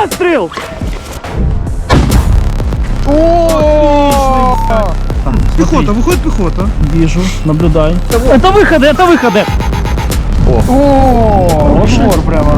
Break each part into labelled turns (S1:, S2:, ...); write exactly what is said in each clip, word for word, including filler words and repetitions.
S1: Постріл!
S2: Пехота, выходит пехота.
S1: Вижу, наблюдай. Это выходы, это выходы!
S2: О, упор прямо.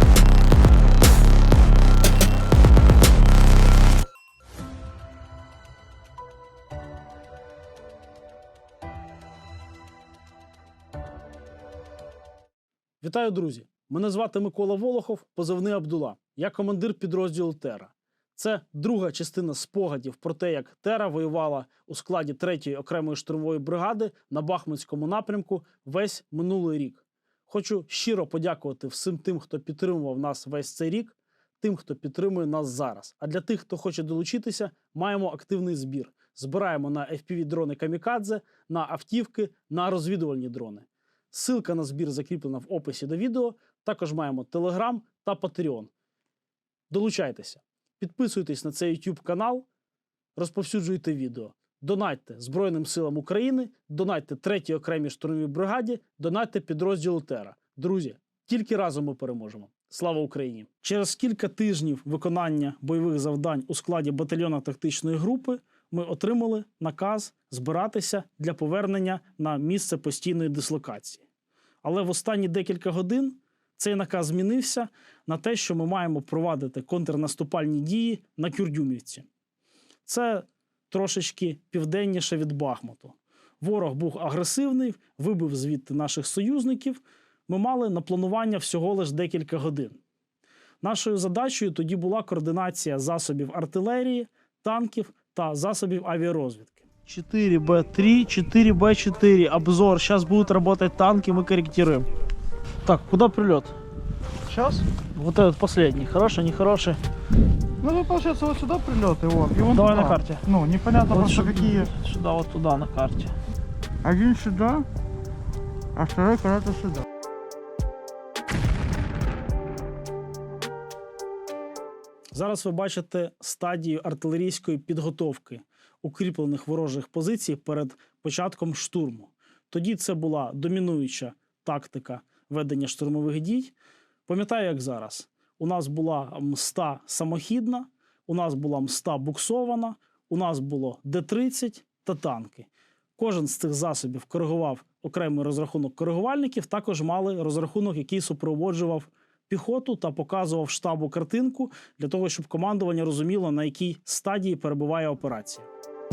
S1: Вітаю, друзі! Мене звати Микола Волохов, позивний Абдула. Я командир підрозділу Тера. Це друга частина спогадів про те, як Тера воювала у складі третьої окремої штурмової бригади на Бахмутському напрямку весь минулий рік. Хочу щиро подякувати всім тим, хто підтримував нас весь цей рік, тим, хто підтримує нас зараз. А для тих, хто хоче долучитися, маємо активний збір. Збираємо на еф пі ві-дрони «Камікадзе», на автівки, на розвідувальні дрони. Ссылка на збір закріплена в описі до відео. Також маємо Telegram та Patreon. Долучайтеся. Підписуйтесь на цей YouTube канал, розповсюджуйте відео. Донатьте Збройним силам України, донатьте третій окремій штурмовій бригаді, донатьте підрозділу Тера. Друзі, тільки разом ми переможемо. Слава Україні! Через кілька тижнів виконання бойових завдань у складі батальйону тактичної групи ми отримали наказ збиратися для повернення на місце постійної дислокації. Але в останні декілька годин цей наказ змінився на те, що ми маємо провадити контрнаступальні дії на Кюрдюмівці. Це трошечки південніше від Бахмуту. Ворог був агресивний, вибив звідти наших союзників. Ми мали на планування всього лише декілька годин. Нашою задачею тоді була координація засобів артилерії, танків та засобів авіарозвідки. четыре бэ три, четыре бэ четыре, обзор. Сейчас будут работать танки, мы корректируем. Так, куда прилет?
S2: Сейчас?
S1: Вот этот последний. Хороший, нехороший?
S2: Ну, тут, получается, вот сюда прилет, и вот. И вон
S1: Давай
S2: туда.
S1: на карте.
S2: Ну, непонятно
S1: Вот
S2: просто
S1: сюда,
S2: какие.
S1: Сюда, вот туда, на карте.
S2: Один сюда, а второй куда-то сюда.
S1: Зараз ви бачите стадію артилерійської підготовки укріплених ворожих позицій перед початком штурму. Тоді це була домінуюча тактика ведення штурмових дій. Пам'ятаю, як зараз. У нас була мста самохідна, у нас була мста буксована, у нас було де тридцять та танки. Кожен з цих засобів коригував окремий розрахунок коригувальників, також мали розрахунок, який супроводжував піхоту та показував штабу картинку для того, щоб командування розуміло, на якій стадії перебуває операція.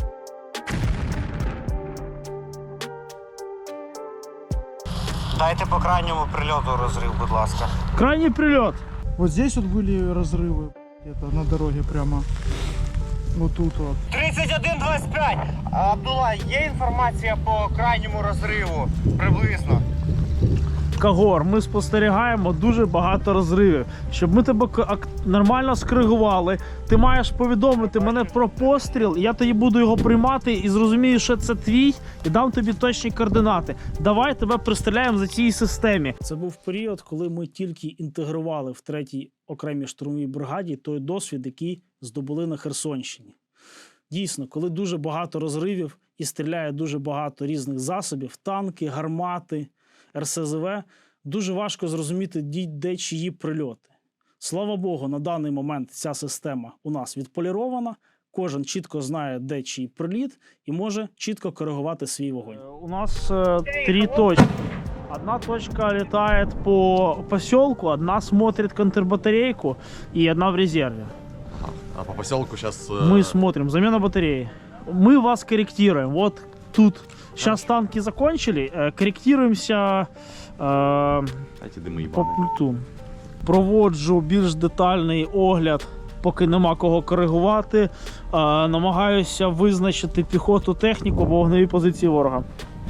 S3: Дайте по крайньому прильоту розрив, будь ласка.
S1: Крайній прильот!
S2: Вот здесь вот были разрывы. Это на дороге прямо. Вот тут вот.
S3: тридцять один двадцять п'ять! Абдула, є інформація по крайньому розриву? Приблизно.
S1: Кагор, ми спостерігаємо дуже багато розривів. Щоб ми тебе нормально скоригували, ти маєш повідомити мене про постріл, я тоді буду його приймати і зрозумію, що це твій, і дам тобі точні координати. Давай тебе пристріляємо за цій системі. Це був період, коли ми тільки інтегрували в третій окремій штурмовій бригаді той досвід, який здобули на Херсонщині. Дійсно, коли дуже багато розривів і стріляє дуже багато різних засобів, танки, гармати, ер ес зет ве, дуже важко зрозуміти, де чиї прильоти. Слава Богу, на даний момент ця система у нас відполірована, кожен чітко знає, де чий приліт і може чітко коригувати свій вогонь. У нас е, три точки. Одна точка летает по поселку, одна смотрит контрбатарейку и одна в резерве.
S4: А по поселку сейчас... Э...
S1: Мы смотрим, замена батареи. Мы вас корректируем. Вот тут сейчас танки закончили, э, корректируемся э, по пульту. Проводжу більш детальний огляд, поки нема кого коригувати. Е, намагаюся визначити піхоту, техніку або вогневі позиції ворога.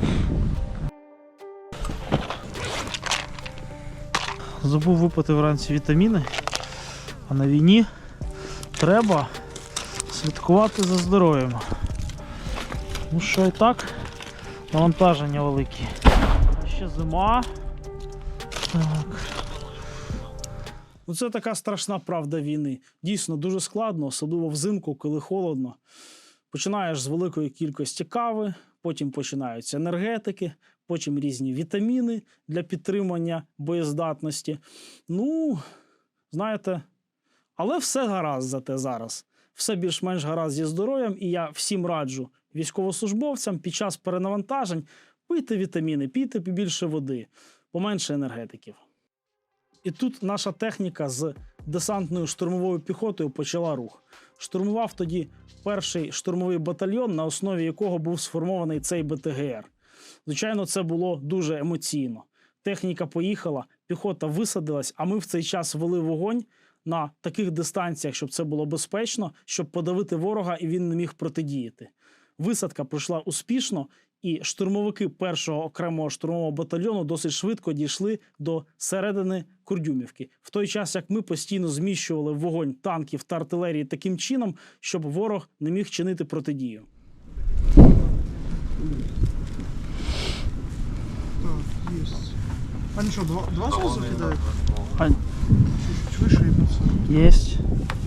S1: Забув випити вранці вітаміни, а на війні треба слідкувати за здоров'ям. Ну що і так, навантаження великі. Ще зима. Так. Ну, це така страшна правда війни. Дійсно, дуже складно, особливо взимку, коли холодно. Починаєш з великої кількості кави, потім починаються енергетики, потім різні вітаміни для підтримання боєздатності. Ну, знаєте, Але все гаразд зате зараз. Все більш-менш гаразд зі здоров'ям, і я всім раджу військовослужбовцям під час перенавантажень пийте вітаміни, пійте побільше води, поменше енергетиків. І тут наша техніка з десантною штурмовою піхотою почала рух. Штурмував тоді перший штурмовий батальйон, на основі якого був сформований цей Б Т Г Р. Звичайно, це було дуже емоційно. Техніка поїхала, піхота висадилась, а ми в цей час вели вогонь на таких дистанціях, щоб це було безпечно, щоб подавити ворога і він не міг протидіяти. Висадка пройшла успішно, і штурмовики першого окремого штурмового батальйону досить швидко дійшли до середини Курдюмівки. В той час, як ми постійно зміщували вогонь танків та артилерії таким чином, щоб ворог не міг чинити протидію.
S2: Так, есть. Они что, два, два сразу кидают?
S1: Ань.
S2: Чуть-чуть выше и пацаны.
S1: Есть.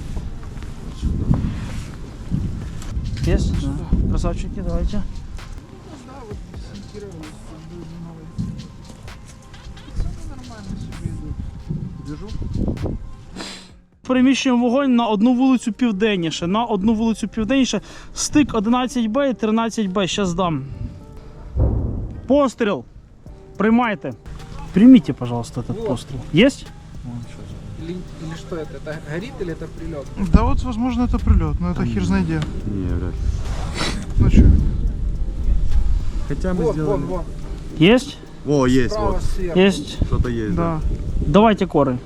S1: Есть? Да. Красавчики, давайте.
S2: Да, вот десантировались, новые. Пацаны нормально себе идут. Движу.
S1: Переміщуємо вогонь на одну вулицю південніше. На одну вулицю південніше. Стик одинадцять Б і тринадцять Б. Щас дам. Постріл. Приймайте. Примите, пожалуйста, этот
S5: Вот.
S1: пострел. Есть?
S5: Или, или что это? Это горит или это прилет?
S2: Да вот, возможно, это прилет, но это хер знает где.
S4: Не, вряд ли.
S2: Ну что?
S4: Хотя мы
S5: Вот,
S4: сделали...
S5: вон, вон.
S1: Есть?
S4: О, есть,
S5: Справа,
S4: вот.
S5: сверху.
S1: Есть.
S4: Что-то есть, да.
S2: Да.
S1: Давайте коры.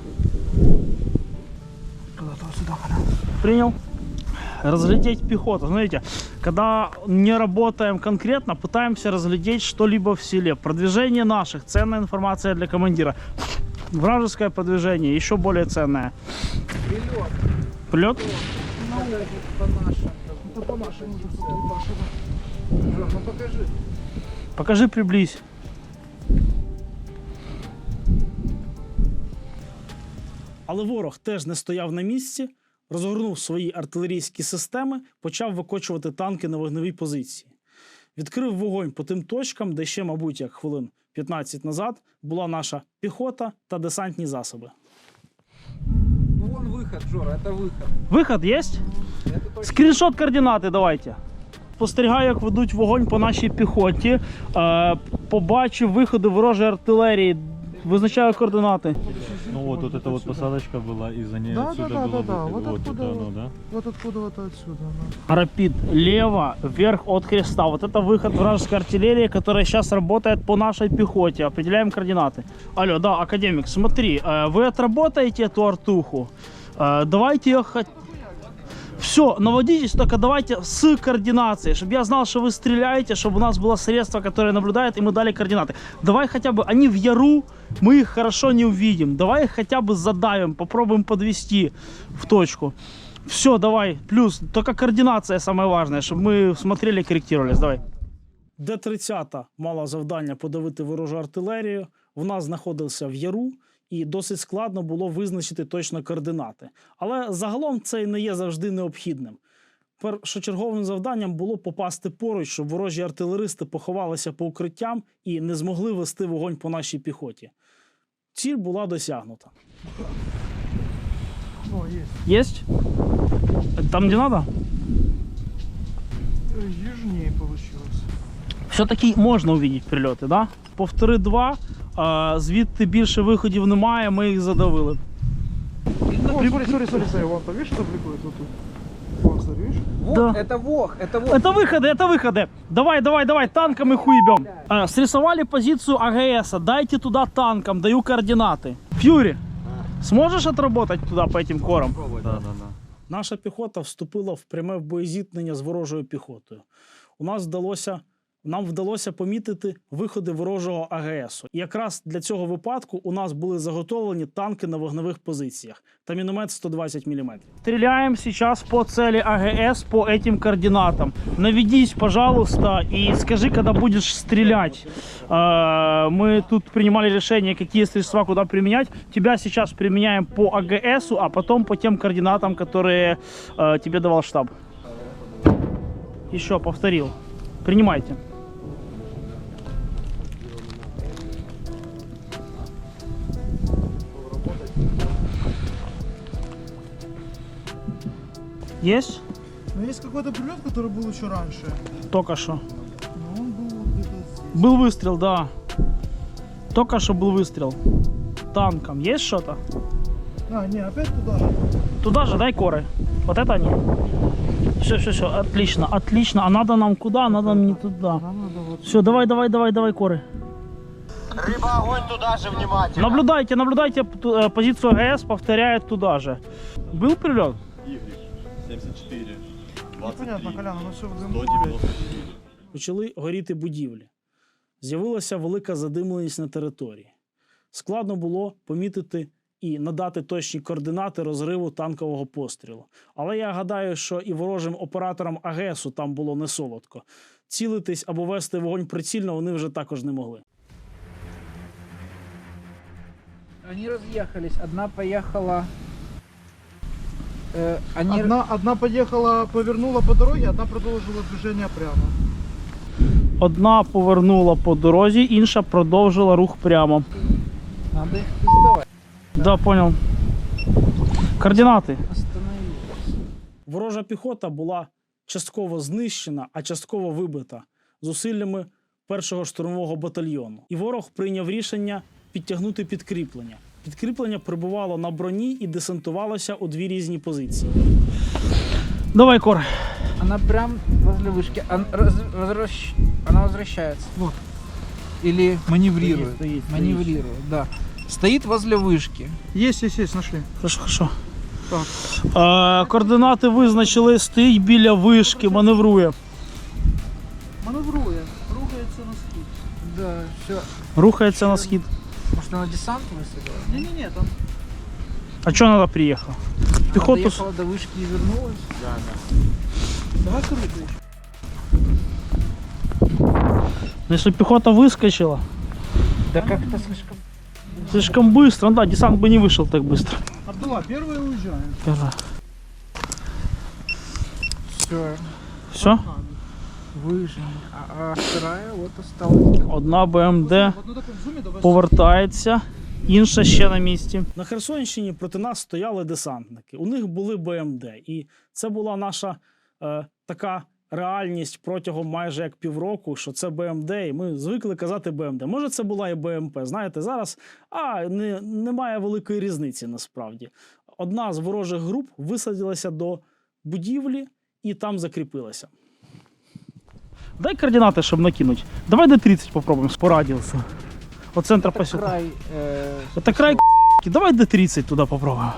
S2: Куда-то вот сюда.
S1: Принял. Разглядеть пехоту. Смотрите, когда не работаем конкретно, пытаемся разглядеть что-либо в селе. Продвижение наших. Ценная информация для командира. Вражеское продвижение. Еще более ценное.
S5: Прилет.
S1: Прилет?
S5: Это по нашему.
S2: Это по нашему уже тут нашего.
S5: Жор, ну покажи.
S1: Покажи, приблизь. Але ворог теж не стояв на місці, розгорнув свої артилерійські системи, почав викочувати танки на вогневій позиції. Відкрив вогонь по тим точкам, де ще, мабуть, як хвилин п'ятнадцять назад була наша піхота та десантні засоби.
S5: Ну вон выход, Жора, это выход.
S1: Виход є?
S5: Это точно.
S1: Скріншот координати давайте. Спостерігаю, як ведуть вогонь по нашій піхоті. Е, побачив виходи ворожої артилерії. Визначаю координати.
S6: Ну вот, вот эта вот посадочка была, и за ней
S2: Да,
S6: отсюда
S2: да, да,
S6: было
S2: да, да.
S6: выход.
S2: Вот
S6: Вот
S2: откуда
S6: это оно,
S2: вот.
S6: да?
S2: Вот откуда вот отсюда. Да.
S1: Рапид лево, вверх от креста. Вот это выход вражеской артиллерии, которая сейчас работает по нашей пехоте. Определяем координаты. Алло, да, академик, смотри, э, вы отработаете эту артуху. Э, Давайте ее хоть... Все, наводитесь, только давайте с координацией, чтобы я знал, что вы стреляете, чтобы у нас было средство, которое наблюдает, и мы дали координаты. Давай хотя бы, они в яру, мы их хорошо не увидим. Давай их хотя бы задавим, попробуем подвести в точку. Все, давай, плюс, только координация самое важное, чтобы мы смотрели, корректировались, давай. Д тридцять мала завдання подавити ворожу артилерію, вона знаходилася в яру, і досить складно було визначити точно координати. Але загалом це і не є завжди необхідним. Першочерговим завданням було попасти поруч, щоб ворожі артилеристи поховалися по укриттям і не змогли вести вогонь по нашій піхоті. Ціль була досягнута.
S2: О, есть.
S1: Єсть? Там, де треба?
S2: Э, Южнее получилось.
S1: Все-таки можна увидіти прильоти, да? Повтори два, а, звідти більше виходів немає, ми їх задавили.
S2: О, смотри, смотри, смотри, смотри, вон там, видишь, что бликует вот тут? Вон, смотри, видишь?
S5: Вот,
S1: Да.
S5: это вог, это вог.
S1: Это выходы, это выходы. Давай, давай, давай, танком их уебем. А, срисовали позицию А Г С. Дайте туда танком, даю координаты. Фьюри, сможешь отработать туда по этим корам?
S6: Да, да, да.
S1: Наша піхота вступила в пряме боєзіткнення з ворожою піхотою. У нас вдалося, нам вдалося помітити виходи ворожого А Г С. І якраз для цього випадку у нас були заготовлені танки на вогневих позиціях та міномет сто двадцять міліметрів. Стріляємо зараз по цілі А Г С по этим координатам. Наведись, пожалуйста, и скажи, когда будешь стрелять. Э, Мы тут принимали решение, какие средства куда применять. Тебя сейчас применяем по А Г С, а потом по тем координатам, которые э, тебе давал штаб. Еще повторил. Принимайте. Есть?
S2: Но есть какой-то прилет, который был еще раньше.
S1: Только что.
S2: Но он был где-то здесь.
S1: Был выстрел, да. Только что был выстрел. Танком. Есть что-то?
S2: А, не, опять туда же.
S1: Туда же, дай коры. Вот это они. Все, все, все, отлично, отлично. А надо нам куда? Надо нам не туда.
S2: Нам надо вот...
S1: Все, давай, давай, давай, давай коры.
S3: Рыба, огонь туда же, внимательно.
S1: Наблюдайте, наблюдайте э, позицию АГС, повторяет туда же. Был прилет?
S6: семьдесят четыре,
S2: Непонятно, Колян, оно все в дыму.
S6: сто девяносто четыре.
S1: Почали горіти будівлі. З'явилася велика задимленість на території. Складно було помітити і надати точні координати розриву танкового пострілу. Але я гадаю, що і ворожим операторам АГСу там було не солодко. Цілитись або вести вогонь прицільно вони вже також не могли.
S5: Они разъехались. Одна поехала... э, они...
S2: Одна, одна поехала, повернула по дороге, одна продолжила движение прямо.
S1: Одна повернула по дорозі, інша продовжила рух прямо.
S5: Надо их пиздовать.
S1: Да, понял. Координати.
S5: Остановились.
S1: Ворожа піхота була частково знищена, а частково вибита зусиллями першого штурмового батальйону. І ворог прийняв рішення підтягнути підкріплення. Підкріплення прибувало на броні і десантувалося у дві різні позиції. Давай, Кор.
S5: Она прям возле вышки. Она, раз- возвращ- она возвращается. Вот. Или маневрирует.
S1: Стоит, стоит,
S5: маневрирует, да. Стоит возле вышки.
S2: Есть, есть, есть, нашли.
S1: Хорошо, хорошо.
S2: Так.
S1: Е, координати визначили, стоїть біля вишки, маневрує.
S2: Маневрує, рухається на схід.
S5: Да, все.
S1: Рухається на схід.
S5: Может, она десант высадила?
S2: Не-не-не, там...
S1: А чого вона приїхала?
S5: Она
S1: Піхоту...
S5: доехала до вышки и вернулась.
S2: Давай сюда ключ.
S1: Ну, якщо піхота вискочила,
S5: Да как-то слишком...
S1: слишком быстро, ну да, десант бы не вышел так быстро.
S2: Абдулла, первый уезжаем.
S1: Скажи.
S5: Все.
S1: Все?
S5: Выжили. А, а вторая вот осталась.
S1: Одна БМД
S2: В одну такую в зуме давай.
S1: повертається, інша ще на місці. На Херсонщині проти нас стояли десантники. У них були БМД. І це була наша е, така реальність протягом майже як півроку, що це БМД, і ми звикли казати БМД. Може, це була і БМП. Знаєте, зараз а, не, немає великої різниці насправді. Одна з ворожих груп висадилася до будівлі і там закріпилася. Дай координати, щоб накинуть. Давай Д тридцять попробуємо по радіусу. От центра
S5: Это
S1: поселка.
S5: край... э,
S1: Это край к***ки. Давай Д тридцать туда попробуем.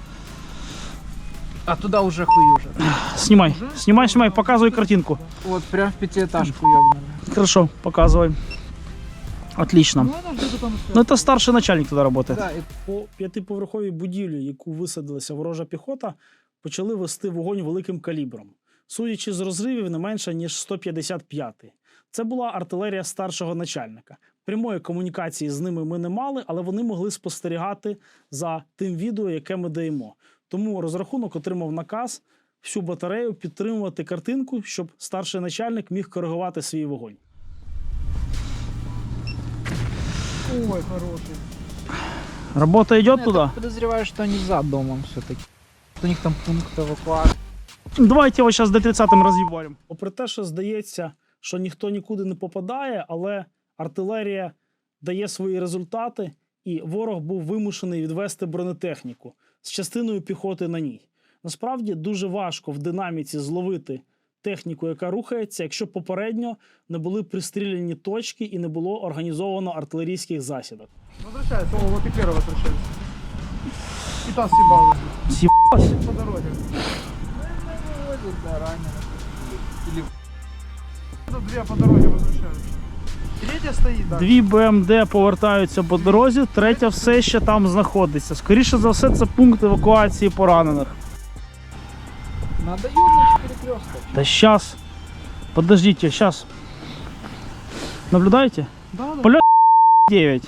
S5: А туда уже хуюже.
S1: Снимай, снимай, снимай, показывай картинку.
S5: Вот прям в пятиэтажку ёбнули.
S1: Хорошо, показывай. Отлично.
S2: Ну, она где-то там
S1: Ну, это старший начальник туда работает.
S5: Да, и
S1: По п'ятиповерховій будівлі, яку висадилася ворожа піхота, почали вести вогонь великим калібром. Судячи з розривів, не менше, ніж сто п'ятдесят п'ятий. Це була артилерія старшого начальника. Прямої комунікації з ними ми не мали, але вони могли спостерігати за тим відео, яке ми даємо. Тому розрахунок отримав наказ всю батарею підтримувати картинку, щоб старший начальник міг коригувати свій вогонь.
S2: Ой, хороший.
S1: Робота йде
S5: я
S1: туди?
S5: так подозреваю, что они за домом все-таки. У них там пункт эвакуации.
S1: Давайте його зараз Д тридцять роз'їбаримо. Попри те, що здається, що ніхто нікуди не попадає, але артилерія дає свої результати, і ворог був вимушений відвести бронетехніку з частиною піхоти на ній. Насправді дуже важко в динаміці зловити техніку, яка рухається, якщо попередньо не були пристріляні точки і не було організовано артилерійських засідок.
S2: Возвращается, о, вот и первый возвращается. И та съебалась.
S1: С'їбалась?
S2: По дороге.
S5: Да, ранено. Или
S2: Это две по дороге возвращаются. Третья стоит, да.
S1: Дві БМД повертаються по дорозі, третя все ще там знаходиться. Скоріше за все, це пункт евакуації поранених.
S5: надо ёбнуть перекресток.
S1: Да сейчас. Подождите, сейчас. Наблюдаете?
S2: Да, да.
S1: Полет девять.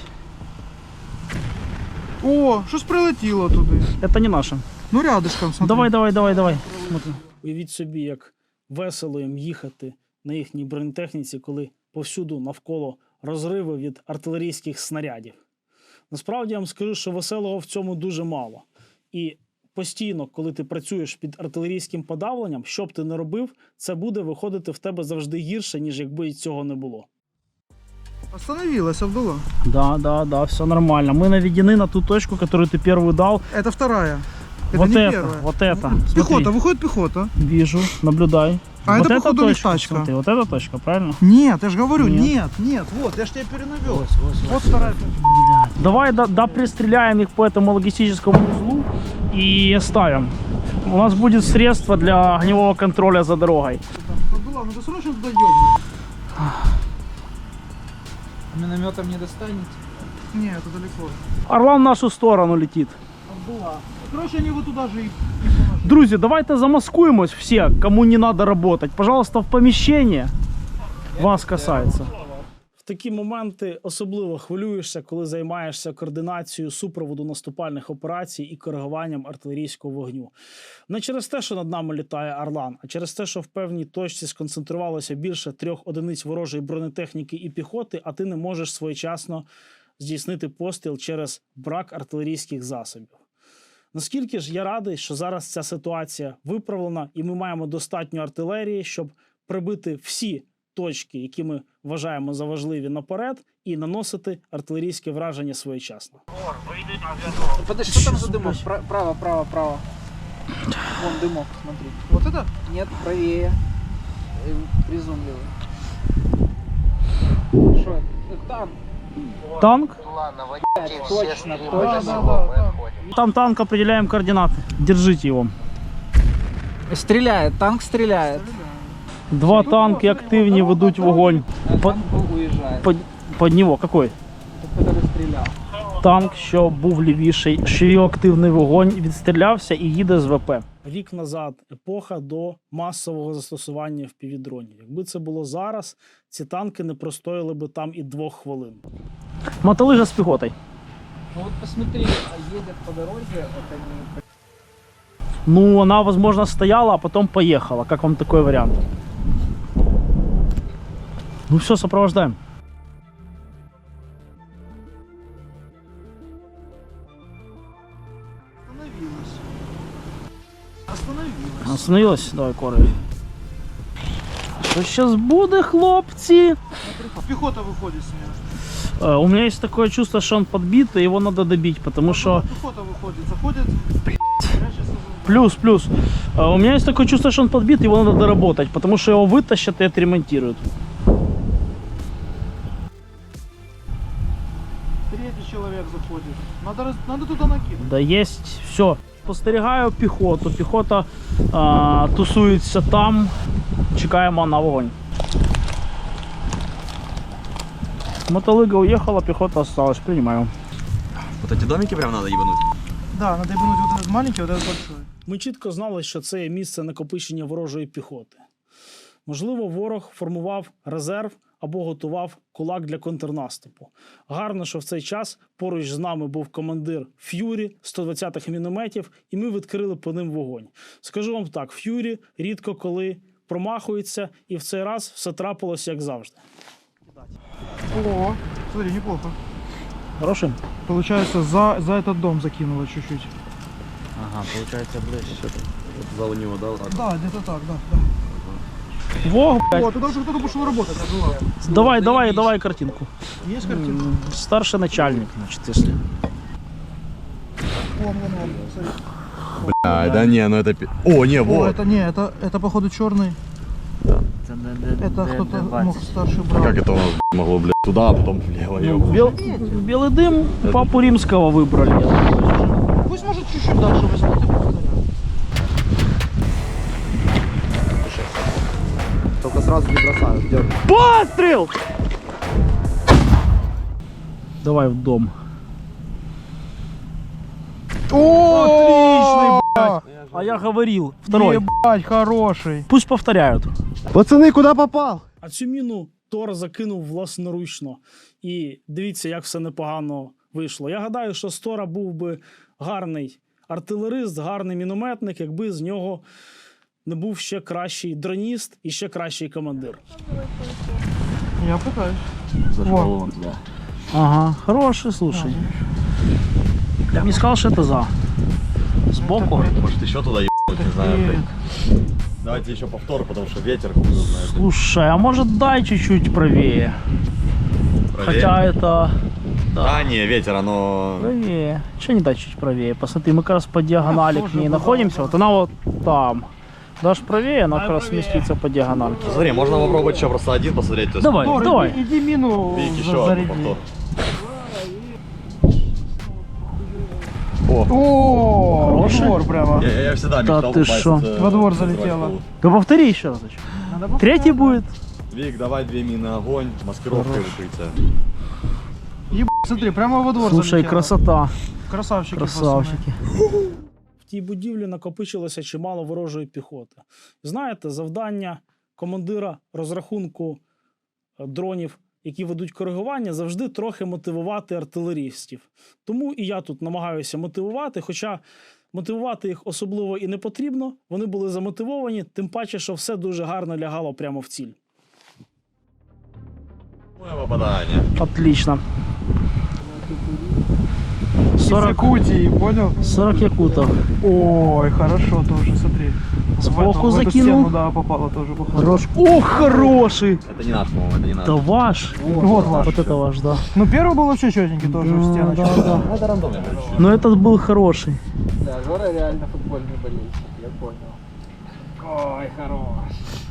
S2: О, щось прилетіло туди.
S1: Это не наше.
S2: Ну рядышком, смотри.
S1: Давай, давай, давай, давай. Смотри. Уявіть собі, як весело їм їхати на їхній бронетехніці, коли повсюду навколо розриви від артилерійських снарядів. Насправді я вам скажу, що веселого в цьому дуже мало. І постійно, коли ти працюєш під артилерійським подавленням, що б ти не робив, це буде виходити в тебе завжди гірше, ніж якби і цього не було.
S2: Остановилась, Абдулла.
S1: Да, да, да, все нормально. Мы наведены на ту точку, которую ты первую дал.
S2: Это вторая. Это
S1: Вот
S2: не
S1: это,
S2: первая.
S1: вот это.
S2: Пехота,
S1: Смотри.
S2: выходит пехота.
S1: Вижу, наблюдай.
S2: А
S1: вот
S2: это,
S1: эта
S2: походу,
S1: точка,
S2: листачка.
S1: смотри, вот эта точка, правильно?
S2: Нет, я же говорю,
S1: Нет.
S2: нет, нет, вот, я же тебя перенавел. Вот вторая.
S1: Давай да, да пристреляем их по этому логистическому узлу и оставим. У нас будет средство для огневого контроля за дорогой.
S2: Абдулла, ну ты срочно туда ёбнешь.
S5: Минометом не достанете?
S2: Не, это далеко.
S1: Орлан в нашу сторону летит.
S2: Абдулла. Короче, они вот туда же и...
S1: Друзі, давайте замаскуємось все, кому не надо работать. Пожалуйста, в поміщення. Вас касається. В такі моменти особливо хвилюєшся, коли займаєшся координацією супроводу наступальних операцій і коригуванням артилерійського вогню. Не через те, що над нами літає Орлан, а через те, що в певній точці сконцентрувалося більше трьох одиниць ворожої бронетехніки і піхоти, а ти не можеш своєчасно здійснити постріл через брак артилерійських засобів. Наскільки ж я радий, що зараз ця ситуація виправлена, і ми маємо достатньо артилерії, щоб прибити всі точки, які ми вважаємо за важливі, наперед, і наносити артилерійське враження своєчасно.
S5: Подожди, что там за дымок? Пра- Право, право, право. Вон дымок, смотри.
S2: Вот это?
S5: Нет, правее. Э, Приземливый. Что это? Это Танк.
S1: Танк?
S5: Точно,
S2: Да,
S5: точно.
S2: да, да, да.
S1: Там танк, определяем координаты. Держите его.
S5: Стреляет, танк стреляет.
S1: Два танки активні ведуть вогонь.
S5: А
S1: По-
S5: танк уезжает.
S1: Под, под нього. Какой?
S5: Тот, который стрелял.
S1: Танк, що був лівіший, що його активний вогонь, відстрілявся і їде з ВП. Рік назад епоха до масового застосування впівдронів. Якби це було зараз, ці танки не простояли би там і двох хвилин. Мотолига з піхотою.
S5: Ну вот посмотри, а едет по дороге, это не...
S1: Ну, она, возможно, стояла, а потом поехала. Как вам такой вариант? Ну все, сопровождаем.
S2: Остановилась. Остановилась.
S1: Остановилась? Давай, корей. Що сейчас буде, хлопці?
S2: Пехота выходит с нее.
S1: Э, у меня есть такое чувство, что он подбит, и его надо добить, потому что...
S2: Пехота выходит, заходит. Прячется за-
S1: Плюс, плюс. Э, у меня есть такое чувство, что он подбит, его надо доработать, потому что его вытащат и отремонтируют.
S2: Третий человек заходит. Надо, раз- надо туда накинуть.
S1: Да есть все. Спостерігаю піхоту. Піхота а, тусується там. Чекаємо на вогонь. Мотолыга уехала, пехота осталась. Принимаю.
S6: Вот эти домики прям надо ебануть?
S2: Да, надо ебануть вот этот маленький, вот этот большой.
S1: Ми чітко знали, що це є місце накопичення ворожої піхоти. Можливо, ворог формував резерв або готував кулак для контрнаступу. Гарно, що в цей час поруч з нами був командир Ф'юрі сто двадцятих мінометів, і ми відкрили по ним вогонь. Скажу вам так, Ф'юрі рідко коли промахується, і в цей раз все трапилось як завжди.
S2: О, смотри, неплохо.
S1: Хороший?
S2: Получается, за, за этот дом закинуло чуть-чуть.
S4: Ага, получается ближче. За у него, да, вот так?
S2: Да, где-то так, да. да.
S1: Вог, блядь.
S2: О, туда уже кто-то пошел работать. Абдулла.
S1: Давай, давай, давай картинку.
S2: Есть картинка?
S1: М, Старший начальник, значит, если.
S2: Вон, вон, вон. Смотри.
S6: А, да не, ну это... пи- О, не,
S2: О,
S6: вот.
S2: это не, это, это походу черный. Это кто-то мог старший брат.
S6: Как это у нас б***ь, могло, блядь, туда, а потом влево,
S1: Ну,
S6: ёб.
S1: бел- белый дым папу римского выбрали. я думаю.
S2: Пусть может чуть-чуть дальше возьмет и повторяет.
S3: Только сразу не бросают. Дёрг.
S1: Пострел! Давай в дом.
S2: Отличный, блядь.
S1: А я говорил, второй.
S2: Ебать, хороший.
S1: Пусть повторяют.
S3: Пацаны, куда попал?
S1: А цю міну Тор закинув власноручно. І дивіться, як все непогано вийшло. Я гадаю, що з Тора був би гарний артилерист, гарний мінометник, якби з нього не був ще кращий дроніст і ще кращий командир.
S2: Я пытаюсь.
S4: Зашел
S2: Во.
S4: он туда.
S1: Ага, хороший, слушай. Я б не сказал, что это за. Сбоку?
S6: Может еще туда ебнуть, не знаю, блядь. Давайте еще повтор, потому что ветер хуй его знает.
S1: Слушай, а может дай чуть-чуть правее?
S6: Правее?
S1: Хотя это...
S6: Да, не, ветер, оно...
S1: Правее. Че не дать чуть правее? Посмотри, мы как раз по диагонали к ней находимся. Вот она вот там. Дашь правее, она как раз сместится по диагональке.
S6: Смотри, можно попробовать еще просто один посмотреть. То есть,
S1: Давай,
S2: Тор,
S1: давай.
S2: Иди, иди мину
S6: Вик,
S2: за-
S6: еще один
S2: заряди.
S6: повтор. О,
S2: О, во
S1: Хороший?
S2: двор прямо.
S6: я, я всегда
S1: Да
S6: мечтал
S1: ты
S6: попасть,
S1: шо?
S6: э,
S2: Во двор
S6: в Израиль.
S2: залетела.
S1: Да повтори еще разочек.
S2: Надо повторять,
S1: Третий
S2: да.
S1: будет.
S6: Вик, давай две мины огонь, маскировка и укрытие.
S2: Еб... Смотри, прямо во двор
S1: Слушай,
S2: залетела.
S1: красота.
S2: Красавчики,
S1: Красавчики. В тій будівлі накопичилося чимало ворожої піхоти. Знаєте, завдання командира розрахунку е, дронів, які ведуть коригування, завжди трохи мотивувати артилерістів. Тому і я тут намагаюся мотивувати, хоча мотивувати їх особливо і не потрібно. Вони були замотивовані, тим паче, що все дуже гарно лягало прямо в ціль.
S6: Моє попадание.
S1: Отлично.
S2: Из
S1: сорок,
S2: Якутии, понял?
S1: сорок якутов.
S2: Ой, хорошо тоже, смотри.
S1: Сбоку
S2: В эту- в эту
S1: закинул.
S2: стену, да, попало тоже. походу.
S1: Хорош. Ох, хороший!
S6: Это не наш, по-моему, это не наш.
S1: Это ваш.
S2: Вот ваш.
S1: Вот это ваш, да.
S2: Ну, первый был вообще четенький тоже в
S1: Да,
S2: стеночку.
S1: да, да.
S6: Это рандомно, короче.
S1: Но этот был хороший.
S5: Да, Жора реально футбольный болельщик, я понял. Ой, хорош.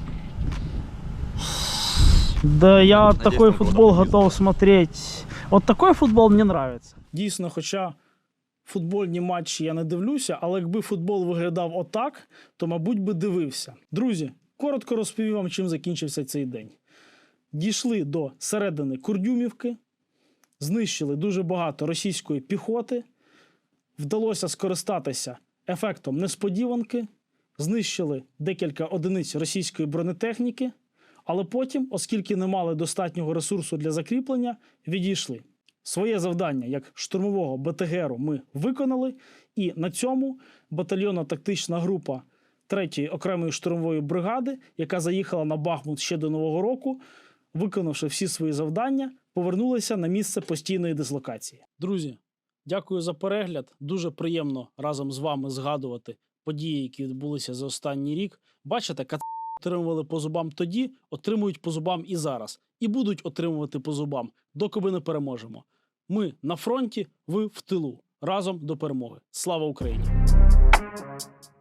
S1: Да, я
S6: Надеюсь,
S1: такой
S6: там
S1: футбол
S6: куда-то
S1: готов смотреть. Вот такой футбол мне нравится. Дійсно, хоча футбольні матчі я не дивлюся, але якби футбол виглядав отак, то, мабуть, би дивився. Друзі, коротко розповім вам, чим закінчився цей день. Дійшли до середини Курдюмівки, знищили дуже багато російської піхоти, вдалося скористатися ефектом несподіванки, знищили декілька одиниць російської бронетехніки, але потім, оскільки не мали достатнього ресурсу для закріплення, відійшли. Своє завдання як штурмового БТГРу ми виконали, і на цьому батальйонно-тактична група третьої окремої штурмової бригади, яка заїхала на Бахмут ще до Нового року, виконавши всі свої завдання, повернулися на місце постійної дислокації. Друзі, дякую за перегляд. Дуже приємно разом з вами згадувати події, які відбулися за останній рік. Бачите, кат отримували по зубам тоді, отримують по зубам і зараз. І будуть отримувати по зубам, доки ми не переможемо. Ми на фронті, ви в тилу. Разом до перемоги. Слава Україні!